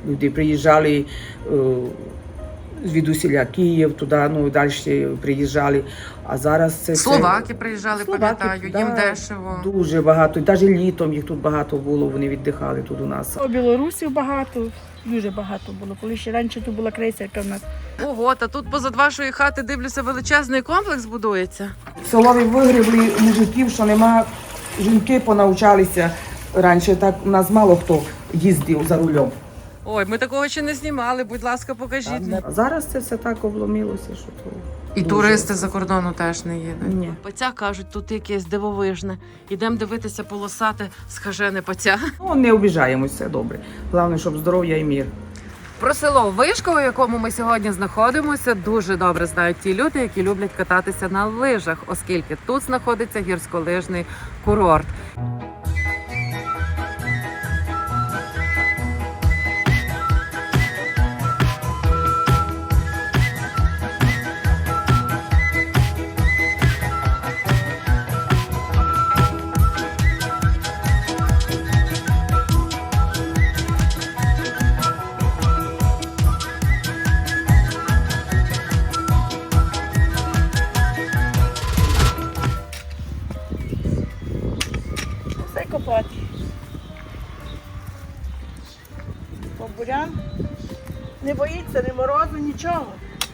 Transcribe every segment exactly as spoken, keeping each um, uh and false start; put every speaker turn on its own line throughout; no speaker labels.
Люди приїжджали звідусіля Київ, туди, ну, далі приїжджали. А зараз це...
Словаки приїжджали,
Словаки,
пам'ятаю,
да,
їм дешево.
Дуже багато. Навіть літом їх тут багато було, вони віддихали тут у нас.
У білорусів багато, дуже багато було. Коли ще раніше тут була крейсерка в нас.
Ого, та тут позад вашої хати, дивлюся, величезний комплекс будується.
Селові вигребли мужиків, що нема, жінки понавчалися. Раніше так у нас мало хто їздив за рулем.
Ой, ми такого ще не знімали, будь ласка, покажіть.
А зараз це все так обломилося, що то...
І
дуже.
туристи за кордону теж не їдуть.
Ні.
Паця, кажуть, тут якесь дивовижне. Ідемо дивитися полосати схажене паця.
Ну, не обіжаємось, все добре. Головне, щоб здоров'я і мир.
Про село Вишково, в якому ми сьогодні знаходимося, дуже добре знають ті люди, які люблять кататися на лижах, оскільки тут знаходиться гірськолижний курорт.
Все копати. Бурян не боїться ні морозу, нічого.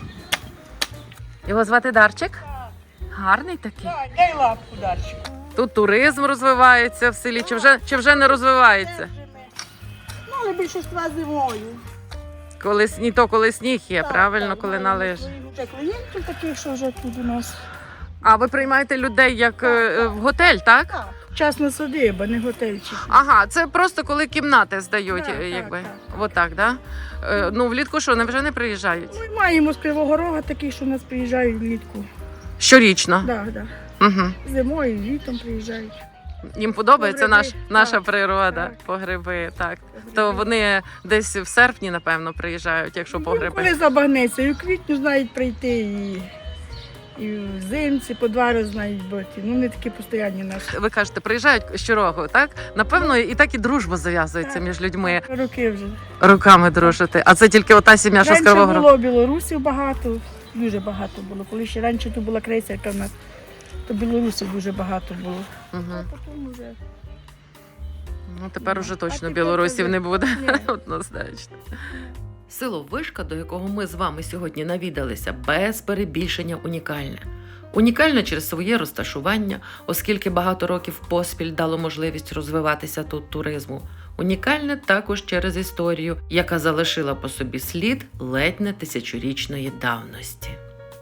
Його звати Дарчик? Гарний такий.
Так, дай лапку далі.
Тут туризм розвивається в селі, чи вже, чи вже не розвивається?
Ну, але більшість зимою.
Коли сніг, то коли сніг є,
Так,
правильно,
так,
коли
ну,
на лижі.
Вже клієнтів таких, що вже тут у нас.
А ви приймаєте людей як е, в готель, так?
Так, частна садиба, не готельчик.
Ага, це просто коли кімнати здають,
Так,
е,
так,
якби.
так.
Отак, да? Е, ну, влітку що, не вже не приїжджають?
Ми маємо з Кривого Рога таких, що в нас приїжджають влітку.
Щорічно.
Да, да.
Угу.
Зимою, літом приїжджають.
Їм подобається
Погреби,
наш, наша
так,
природа,
так.
погреби, так.
Погреби.
То вони десь в серпні, напевно, приїжджають, якщо погреби.
Коли забагнеться, і у квітню знають прийти, і, і взимці по два рази знають бути. Ну, не такі постійні наші.
Ви кажете, приїжджають щороку, так? Напевно, і так і дружба зав'язується
Так.
між людьми.
Роки вже.
Руками дружити. А це тільки ота сім'я, що з
Раніше
Кривого Рогу?
було білорусів багато, дуже багато було. Коли ще раніше тут була крейсерка в нас, то білорусів дуже багато було.
Угу.
А потім вже...
Ну, тепер уже
А
точно
тепер
білорусів
вже-
не буде.
Ні.
Однозначно. Село Вишка, до якого ми з вами сьогодні навідалися, без перебільшення унікальне. Унікальне через своє розташування, оскільки багато років поспіль дало можливість розвиватися тут туризму. Унікальне також через історію, яка залишила по собі слід ледь не тисячорічної давності.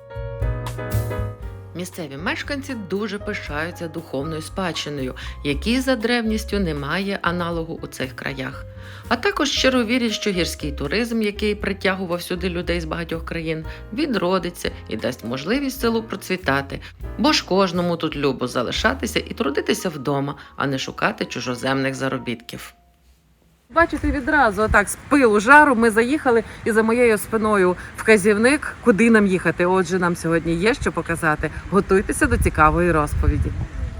Місцеві мешканці дуже пишаються духовною спадщиною, якій за древністю немає аналогу у цих краях. А також щиро вірять, що гірський туризм, який притягував сюди людей з багатьох країн, відродиться і дасть можливість селу процвітати. Бо ж кожному тут любо залишатися і трудитися вдома, а не шукати чужоземних заробітків. Бачите, відразу отак з пилу жару ми заїхали, і за моєю спиною вказівник, куди нам їхати. Отже, нам сьогодні є що показати. Готуйтеся до цікавої розповіді.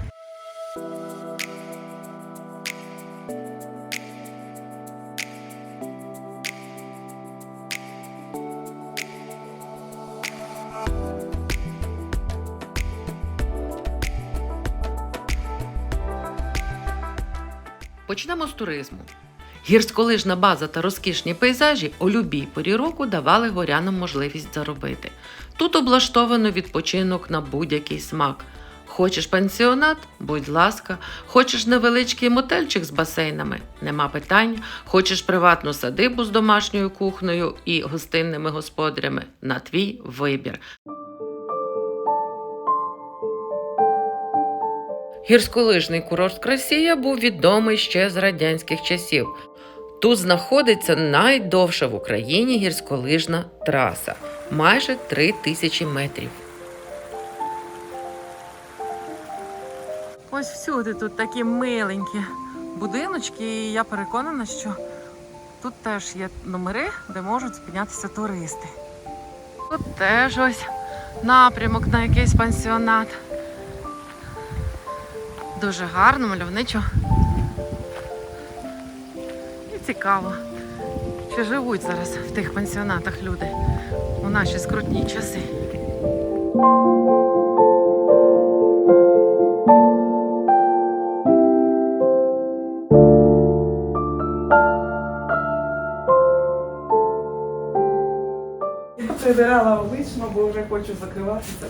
Почнемо з туризму. Гірськолижна база та розкішні пейзажі у любій порі року давали горянам можливість заробити. Тут облаштовано відпочинок на будь-який смак. Хочеш пансіонат? Будь ласка. Хочеш невеличкий мотельчик з басейнами? Нема питань. Хочеш приватну садибу з домашньою кухнею і гостинними господарями? На твій вибір. Гірськолижний курорт Красія був відомий ще з радянських часів. Тут знаходиться найдовша в Україні гірськолижна траса – майже три тисячі метрів. Ось всюди тут такі миленькі будиночки, і я переконана, що тут теж є номери, де можуть спинятися туристи. Тут теж ось напрямок на якийсь пансіонат. Дуже гарно, мальовничо і цікаво. трошки живуть зараз в тих пансіонатах люди у наші скрутні часи.
Я прибирала облично, бо вже хочу закриватися.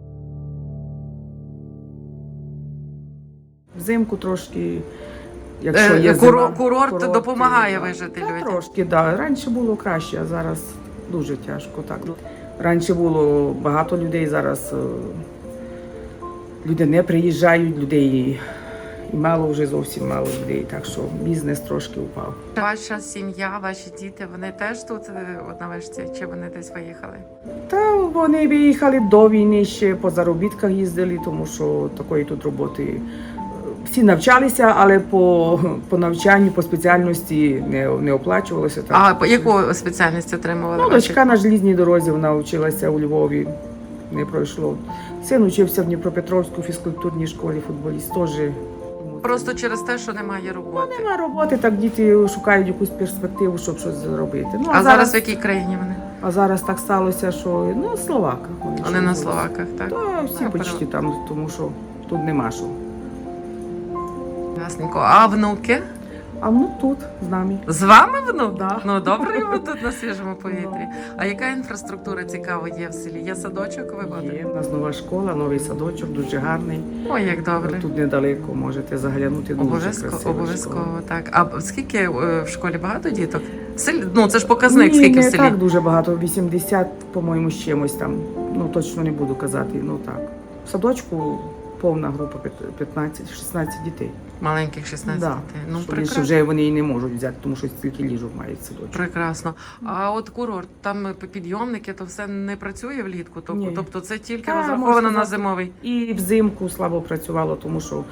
Взимку трошки, якщо
Е,
є
куро-
зима,
курорт допомагає
да.
вижити
Та
людям.
Трошки, так. Да. Раніше було краще, а зараз дуже тяжко. Так. Раніше було багато людей, зараз е, люди не приїжджають, людей і мало вже зовсім мало людей, так що бізнес трошки впав.
Ваша сім'я, ваші діти, вони теж тут е, от на вишці, чи вони десь виїхали?
Та вони виїхали до війни, ще по заробітках їздили, тому що такої тут роботи. е, Всі навчалися, але по, по навчанню, по спеціальності не, не оплачувалося. Так,
А
що-
по яку спеціальність отримували?
Ну,
ваші?
дочка на желізній дорозі, вона вчилася у Львові, не пройшло. Син учився в Дніпропетровській фізкультурній школі, футболіст теж.
Просто через те, що немає роботи.
Нема роботи, так діти шукають якусь перспективу, щоб щось зробити. Ну,
А зараз в якій країні вони?
а зараз так сталося, що ну, Словака.
Вони
ще
на
були.
Словаках, так?
Та всі
А,
почти там, тому що тут нема що.
Ясненько. А внуки?
А ну тут з нами.
З вами внук?
Да.
Ну добре, ви тут на свіжому повітрі. А яка інфраструктура цікава є в селі? Є садочок, ви ходите?
Є, у нас нова школа, новий садочок, дуже гарний.
Ой, як добре.
Тут недалеко можете заглянути. Дуже
Обов'язково,
красива
обов'язково,
школа.
так. А скільки е, в школі багато діток? В селі? Ну, це ж показник,
Ні,
скільки в
не
селі.
так дуже багато, вісімдесят, по-моєму, з чимось там. Ну, точно не буду казати, ну так. В садочку повна група п'ятнадцять-шістнадцять дітей.
Маленьких шістнадцять
Да.
дітей. Ну,
Що більше
прекрасно.
вже вони і не можуть взяти, тому що стільки ліжок мають в садочку.
Прекрасно. А от курорт, там підйомники, то все не працює влітку? Тобто,
Ні.
тобто це тільки
Та,
розраховано
можна
на
сказати.
зимовий?
І взимку слабо працювало, тому що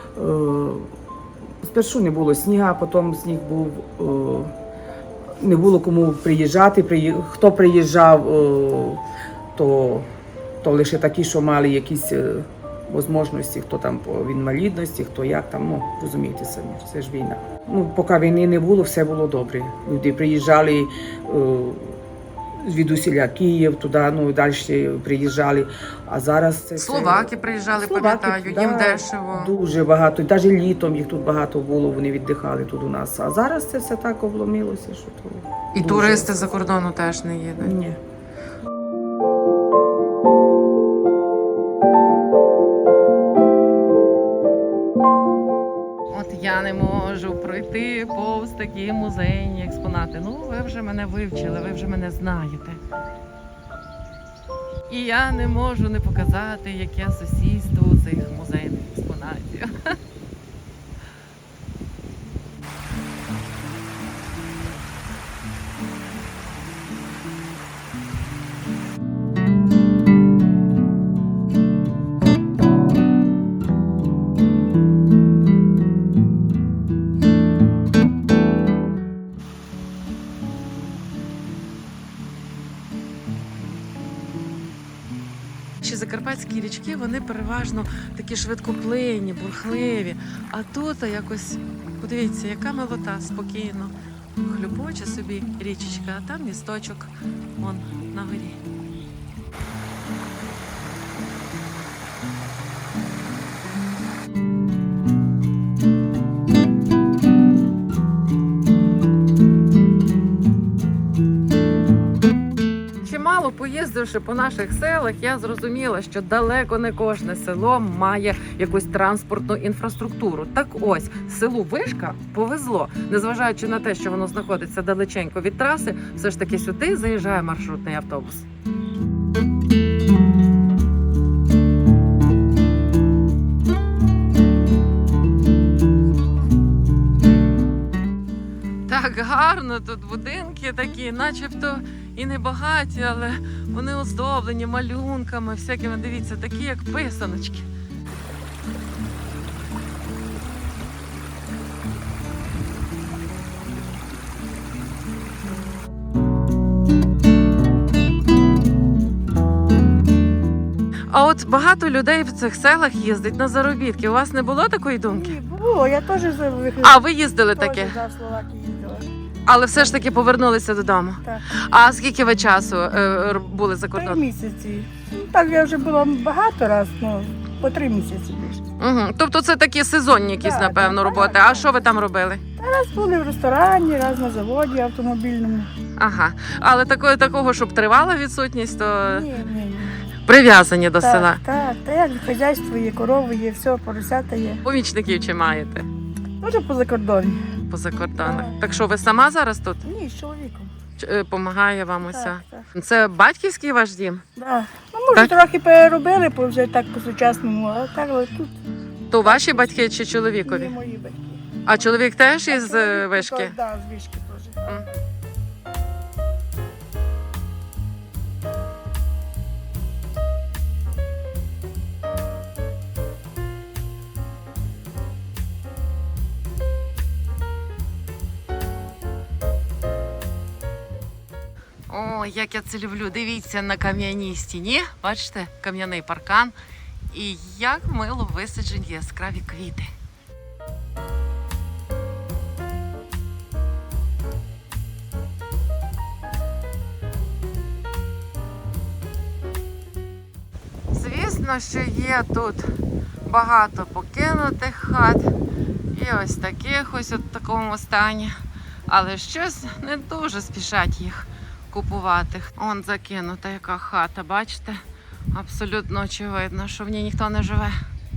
е, спершу не було снігу, а потім сніг був, е, не було кому приїжджати. Приї... Хто приїжджав, е, то, то лише такі, що мали якісь е, можливості, хто там по інвалідності, хто як там, ну, розумієте самі, це ж війна. Ну, поки війни не було, все було добре. Люди приїжджали е, звідусіля Київ, туди, ну, і далі приїжджали. А зараз це... все-
Словаки приїжджали,
Словаки,
пам'ятаю,
да,
їм дешево.
Дуже багато. Навіть літом їх тут багато було, вони віддихали тут у нас. А зараз це все так обломилося, що то...
І
дуже-
туристи за кордону теж не їдуть.
Ні.
От я не можу пройти повз такі музейні експонати. Ну, ви вже мене вивчили, ви вже мене знаєте. І я не можу не показати, яке сусідство у цих музейних експонатів. Наші закарпатські річки, вони переважно такі швидкоплинні, бурхливі. А тут якось, подивіться, яка милота, спокійно. Хлюпоче собі річечка, а там місточок, вон, на горі. Чимало поїздивши по наших селах, я зрозуміла, що далеко не кожне село має якусь транспортну інфраструктуру. Так ось, селу Вишка повезло. Незважаючи на те, що воно знаходиться далеченько від траси, все ж таки сюди заїжджає маршрутний автобус. Так гарно тут будинки такі, начебто і не багаті, але вони оздоблені малюнками, всякими, дивіться, такі як писаночки. А от багато людей в цих селах їздить на заробітки. У вас не було такої думки?
Ні, було, я теж за вихід.
А, ви їздили таке?
За Словакії їздила.
Але все ж таки повернулися додому.
Так.
А скільки ви часу е, р- були за
Три
кордоном?
місяці. Ну, так я вже була багато разів, ну, по три місяці більше.
Угу. Тобто це такі сезонні якісь,
Да,
напевно,
да,
роботи.
да,
А
да.
що ви там робили?
Раз були в ресторані, раз на заводі автомобільному.
Ага. Але такого, такого, щоб тривала відсутність, то
Ні, ні, ні.
прив'язані до
так,
села.
Так, так, як хазяйство є, корови є, все, поросята є.
Помічників чи маєте
Дуже по закордоні.
по закордонах?
Так.
Так що ви сама зараз тут?
Ні, з чоловіком.
Чи, е, Помагає вам уся?
Так, так.
Це батьківський ваш дім?
Да. Ну, може,
Так?
трохи переробили, бо вже так по-сучасному, а так але тут
То ваші батьки чи
є
чоловікові?
мої батьки.
А чоловік теж
А
із е,
чоловік
вишки?
тут, да, з вишки теж.
М. О, як я це люблю. Дивіться на кам'яній стіні. Бачите, кам'яний паркан. І як мило висаджені яскраві квіти. Звісно, що є тут багато покинутих хат і ось таких ось у такому стані. Але щось не дуже спішать їх купувати. Он закинута яка хата, бачите? Абсолютно очевидно, що в ній ніхто не живе.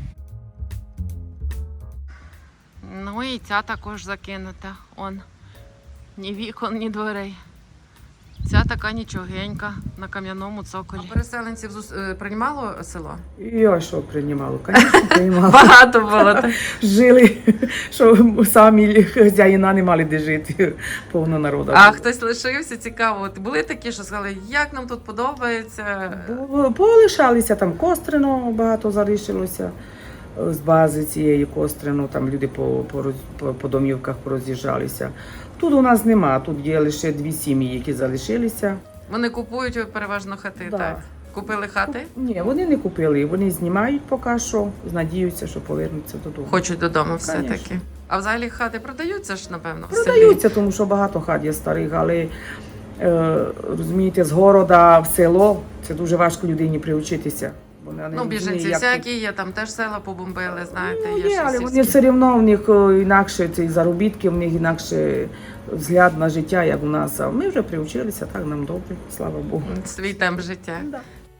Ну і ця також закинута. Он. Ні вікон, ні дверей. Ця така нічогенька на кам'яному цоколі. А переселенців зус- е, приймало село?
Я що приймало? Звісно, приймало.
Багато було. Так?
Жили, що самі хазяїна не мали де жити, повно народу.
А
було.
хтось лишився, цікаво. От були такі, що сказали, як нам тут подобається.
Було- Полишалися, там Кострино багато залишилося з бази цієї Кострино, там люди по, по, роз- по, по домівках пороз'їжджалися. Тут у нас нема, тут є лише дві сім'ї, які залишилися.
Вони купують переважно хати,
Да.
так? Купили хати?
Ні, вони не купили, вони знімають поки що, надіються, що повернуться додому.
Хочуть додому все-таки.
Конечно.
А взагалі хати продаються ж, напевно, в селі?
Продаються, тому що багато хат є старих, але е, розумієте, з города в село це дуже важко людині приучитися. Вона не
Ну,
розуміє,
біженці
як
всякі є, там теж села побомбили, знаєте,
Ну,
є,
є,
ще
але
сільські.
вони все одно в них е, інакше ці заробітки, в них інакше взгляд на життя, як у нас. А ми вже приучилися, так нам добре, слава Богу.
Свій темп життя.
Да.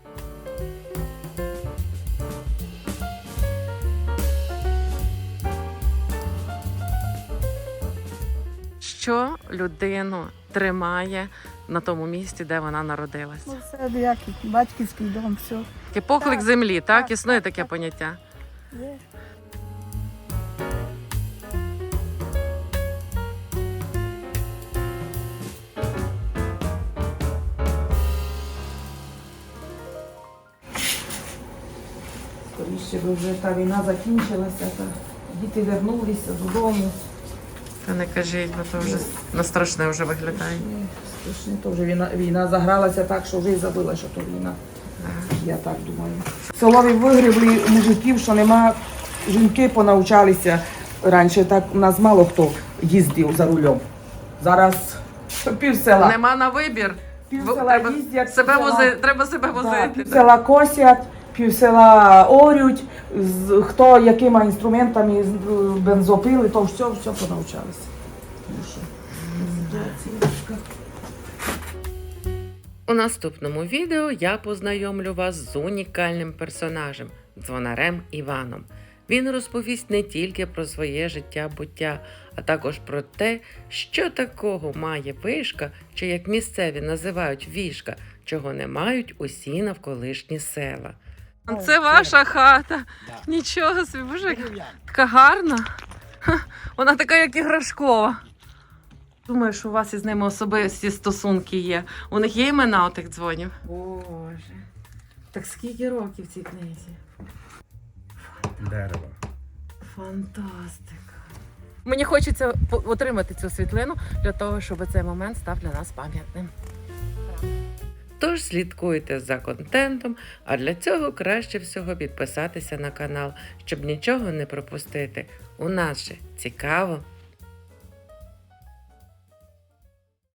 Що людину тримає на тому місці, де вона народилась?
Ну, все як батьківський дом, все.
Такий поклик
так,
землі, так?
так,
Існує
так,
таке
так.
поняття?
Є.
Скоріше би вже та війна закінчилася, та діти вернулися додому.
Та не кажіть, бо то вже на страшне вже виглядає.
Ні, страшно, то вже війна, війна загралася так, що вже й забула, що то війна. Я так думаю. Селові вигребли мужиків, що нема, жінки понавчалися. Раніше так у нас мало хто їздив за рулем. Зараз пів села.
Нема на вибір.
Пів
Бо
села
треба
їздять,
себе
пів села-
вози, треба себе
Да,
возити.
пів села косять, пів села орють, з- хто якими інструментами, з- бензопили, то все, все понавчалися. Тому що ситуація важка.
У наступному відео я познайомлю вас з унікальним персонажем – дзвонарем Іваном. Він розповість не тільки про своє життя-буття, а також про те, що такого має вишка, чи як місцеві називають вішка, чого не мають усі навколишні села. Це ваша хата. Нічого собі, боже, яка- така гарна. Ха, вона така, як іграшкова. Думаю, що у вас із ними особисті стосунки є. У них є імена отих дзвонів? Боже. Так скільки років цій книзі?
Дерево.
Фантастика. Мені хочеться по- отримати цю світлину для того, щоб цей момент став для нас пам'ятним. Тож слідкуйте за контентом, а для цього краще всього підписатися на канал, щоб нічого не пропустити. У нас же цікаво